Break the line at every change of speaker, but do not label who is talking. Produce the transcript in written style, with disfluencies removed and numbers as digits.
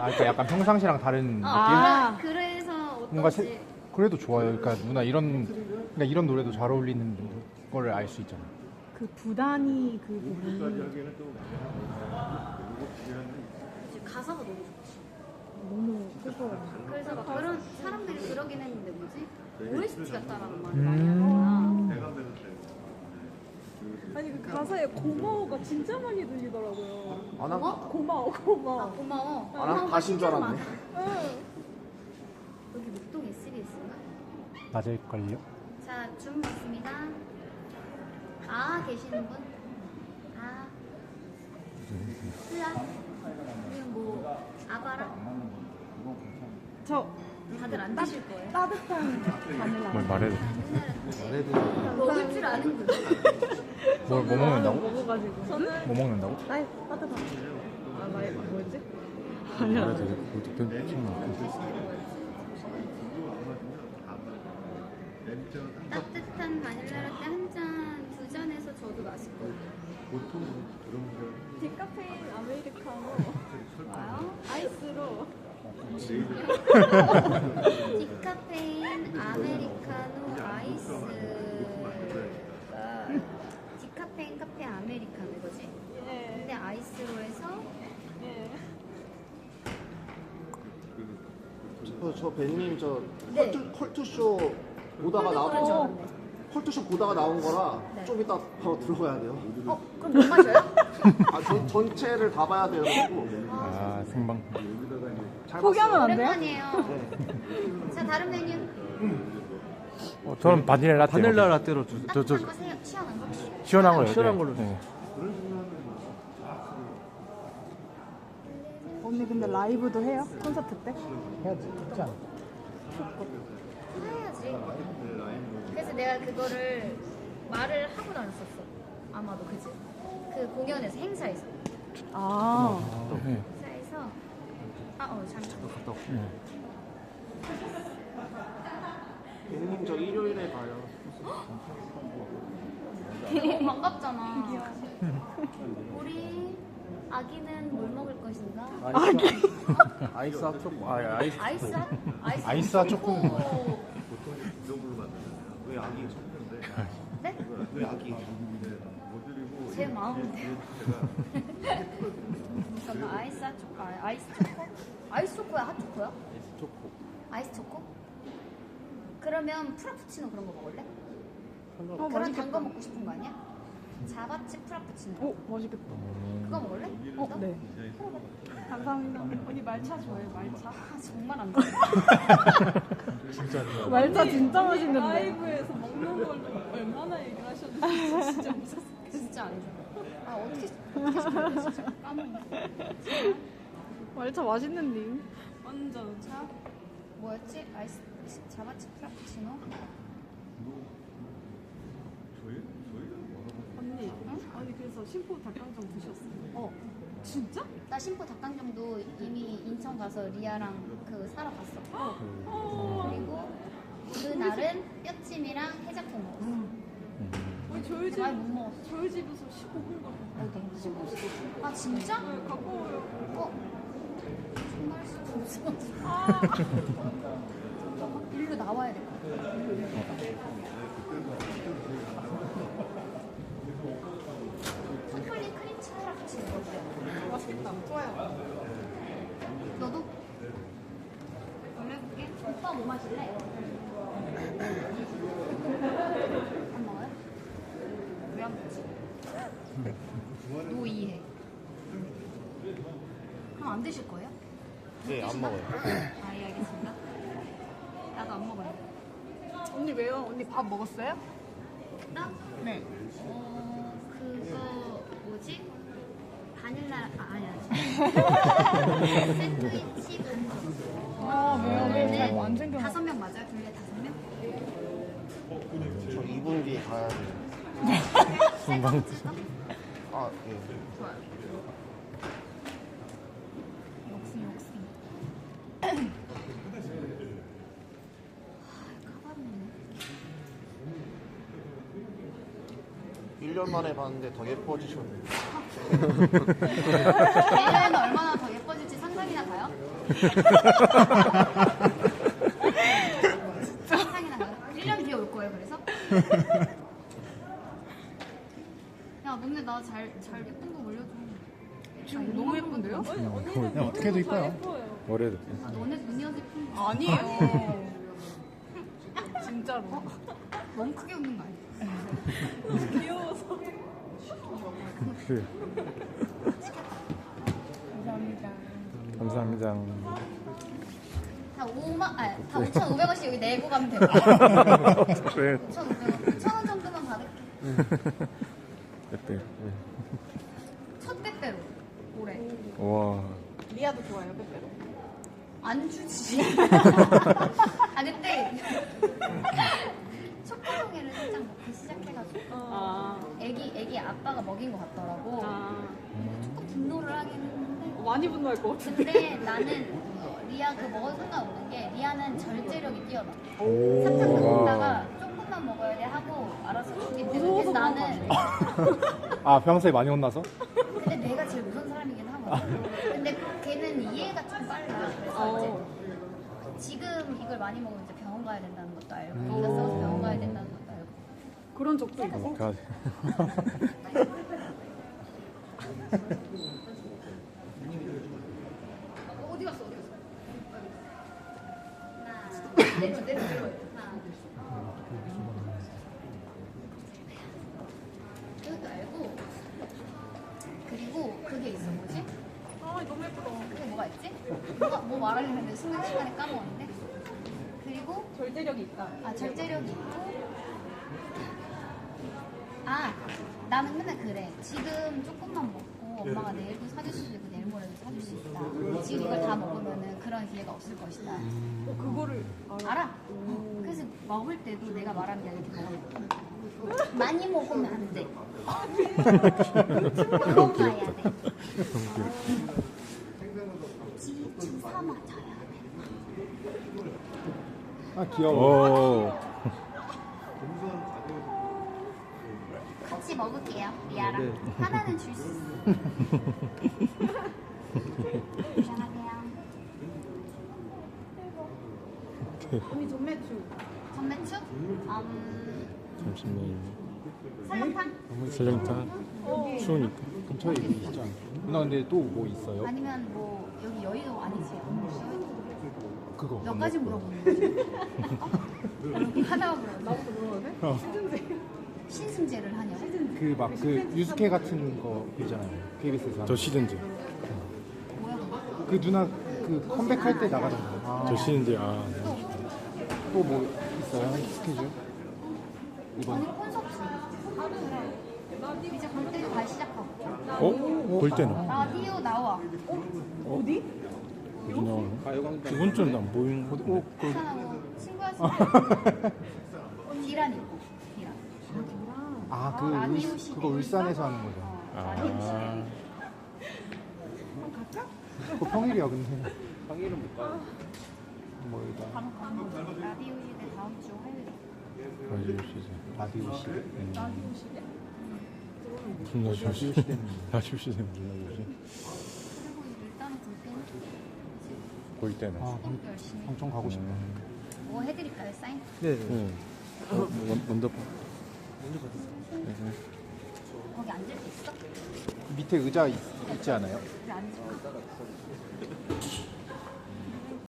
그러니까 약간 평상시랑 다른 느낌?
그래서
뭔가
어떤지.
그래도 좋아요. 그러니까 누나 그러니까 이런 노래도 잘 어울리는 거를 알 수 있잖아.
그 부단이 그 부분이
가사가 너무 좋지.
너무 슬퍼요.
그래서 막 그런 사람들이 그러긴 했는데 뭐지? OST 같다라는 말을 많이 하는 거야.
아니 그 가사에 고마워가 진짜 많이 들리더라고요.
고마워?
고마워
아
고마워.
고마워.
아, 난 가신 줄 알았네.
응.
여기 목동 SBS인가?
맞을걸요?
자, 줌 있습니다. 아 계시는 분? 아, 쓰아. 그리고 뭐 아바라?
저
다들 안 드실 거예요?
따뜻한 바닐라.
뭘 말해도
먹을 줄 아는구나.
뭐 먹는다고?
먹어가지고.
뭐 먹는다고?
나의 따뜻한. 아 나의 뭐였지?
말해도 되게 골드펜 치면
따뜻한 바닐라 라떼 한 잔, 두 잔에서 저도 마시고.
디카페인 아메리카노
와요?
아이스로.
디카페인 아메리카노 아이스가 디카페인 카페 아메리카노 이거지?
예.
근데 아이스로 해서
예.
저 벤님 저
네.
컬투쇼 보다가
콜드브루
나온
좋았네.
컬투쇼 보다가 나온 거라
네.
좀 이따 바로 들어가야 돼요.
그럼 못 마셔요?
전체를 다 봐야 돼가지고.
아 생방.
잘
포기하면 안 돼요?
오랜만이에요.
봤어요.
자, 다른 메뉴.
저는 바닐라 라떼.
바닐라 라떼로 주.
따뜻한 거 세요. 시원한 거.
시원한 거요.
시원한 걸로
네.
언니 근데 라이브도 해요? 콘서트 때?
해야지. 했지 않아?
해야지. 그래서 내가 그거를 말을 하고 다녔었어. 아마도 그지? 그 공연에서 행사에서.
아.
네.
행사에서 잠깐.
벤님 저 일요일에 봐요.
너무 반갑잖아. 우리 아기는 뭘 먹을 것인가?
아이스 핫초코. 아이스.
아이스 핫?
아이스 핫 초코.
왜 아기 쳤는데?
네?
왜 아기?
제 마음인데요. 잠깐 아이스 핫 초코. 아이스 초코? 아이스 초코야? 핫 초코야?
초코.
아이스 초코? 그러면 프라푸치노 그런 거 먹을래? 그런
맛있겠다.
단 거 먹고 싶은 거 아니야? 자바치 프라푸치노.
오 맛있겠다.
그거 먹을래?
네. 감사합니다. 언니 말차 좋아해요? 말차?
아, 정말 안 좋아.
말차 진짜 맛있는데.
라이브에서 먹는 걸로 얼마나 얘기를 하셨는지 진짜 무섭어.
진짜 안 좋아. 아, 어떻게 먹을래? 진짜 까먹네.
말차 맛있는데.
완전 차.
뭐였지? 아이스 자바치 프라푸치노?
언니. 아니 그래서 심포 닭강정 드셨어요? 진짜?
나 심포 닭강정도 이미 인천 가서 리아랑 그 사러 갔어. 그리고 그날은 뼈찜이랑 해장국 먹었어.
저희 집
많이 못 먹었어.
저희 집에서 15분 걸려.
아 진짜?
가까워요.
정말 수도 없어. 일로 나와야 될 것 같아. 초콜릿 크림치 프라푸치노 어때?
맛있겠다. 좋아요.
너도? 올려볼게. 오빠 뭐 마실래? 안 먹어요? 왜 안 먹지? 노이해. 그럼 안 드실 거예요?
네, 안 먹어요.
아, 예, 알겠습니다. 나도 안 먹어요.
언니 왜요? 언니 밥 먹었어요?
나?
네.
그거 뭐지? 바닐라 아니야. 샌드위치 반죽.
아 왜요? 안 챙겨.
5명 맞아요? 둘레 5명?
저 2분 뒤에 가야 돼요.
셀프
아, 예.
좋아요. 역시. 가발이네.
1년 만에 봤는데 더 예뻐지셨네요.
내년에는 얼마나 더 예뻐질지 상상이나 가요? 세상에나 1년 뒤에 올 거예요. 그래서 야 너네 나 잘 예쁜 거 올려줘.
지금 너무 예쁜데요?
그냥 어떻게 해도 이뻐요.
머리에도.
아, 너네 눈이 어디 예쁜 거
아니에요. 진짜로.
너무 크게 웃는 거 아니야?
귀여워서.
그래.
감사합니다.
감사합니다.
다 5,500원씩 여기 내고 가면 돼. 5,500원.
그래.
5,000원 정도만 받을게.
그때.
첫 빼빼로 올해.
와.
리아도 좋아요, 빼빼로.
안 주지. 아 근데 초코송이를 살짝 먹기 시작해가지고
아,
애기 아빠가 먹인 것 같더라고. 조금 분노를 하긴 했는데
많이 분노할 것 같은데.
근데 나는 리아 그 먹어도 상관없는 게 리아는 절제력이 뛰어나.
오.
삭삭 먹다가 조금만 먹어야 돼 하고 알아서 주기 때문에 그래서 나는
아 평소에 많이 혼나서?
근데 내가 제일 무서운 사람이긴 하거든. 근데 걔는 이해가 좀 빨라. 그래서 이제 지금 이걸 많이 먹으면 이제 병원 가야 된다는 것도 알고 이가 싸워서 병원 가야 된다는 것도 알고
그런 적도 있어.
가.
어디 갔어? 내려 그것도 알고 그리고 그게 있어 뭐지?
아, 너무 예쁘다.
그게 뭐가 있지? 뭐 말하려고 했는데 순간시간에 까먹었는데 그리고
절제력이 있다.
절제력이 있고 나는 맨날 그래 지금 조금만 먹고 엄마가 내일도 사줄 수 있고 내일 모레도 사줄 수 있다 지금 이걸 다 먹으면은 그런 기회가 없을 것이다
그거를
알아? 그래서 먹을 때도 내가 말하는 게 아니라 이렇게 먹어 많이 먹으면 안돼 그거 봐야 돼 주사 맞아야 돼
아 귀여워.
오.
같이 먹을게요, 리아랑. 하나는 줄 수 있어. 안녕하세요.
언니 전매추.
전매추?
잠시만요.
설렁탕?
설렁탕. 추우니까.
근처에 있지 않나? 누나 근데 또 뭐 있어요?
아니면 뭐 여기 여의도 아니지? 여의도
그거.
몇 가지 물어보는 거지? 여기 하나만 물어봐.
나부터 물어봐도 돼?
신승제를 하냐고?
그 막 그 유스케 같은 거 있잖아요. KBS에서.
저 시즌제.
뭐야 그거?
그 누나 그 컴백할 때 나가잖아요.
저 시즌제.
또 뭐 있어요? 스케줄?
아니
이번.
콘서트. 이제 볼 때도 다시 시작하고.
볼 때는
라디오 나와.
어디 나오는? 이번 주는 안 보이는 거.
괜찮아. 친구였어. 디란 있고. 디란.
아, 그
라디오 시대.
그거 울산에서 하는 거죠.
라디오 시대.
그거 평일이야 근데. 평일은 못 가. 뭐이다.
라디오 시대 다음 주 화요일에.
라디오 시즌.
라디오 시.
라디오 시대?
무슨 라디오 시즌? 라디오 시즌 무슨 라디오지?
그리고 일단은 볼 때는
볼 때는.
아,
열심히.
엄청 가고 싶다.
뭐 해드릴까요? 사인?
네.
먼저 봐.
거기 앉을 수 있어?
밑에 의자 있지 않아요?
그래 앉을 수 있어.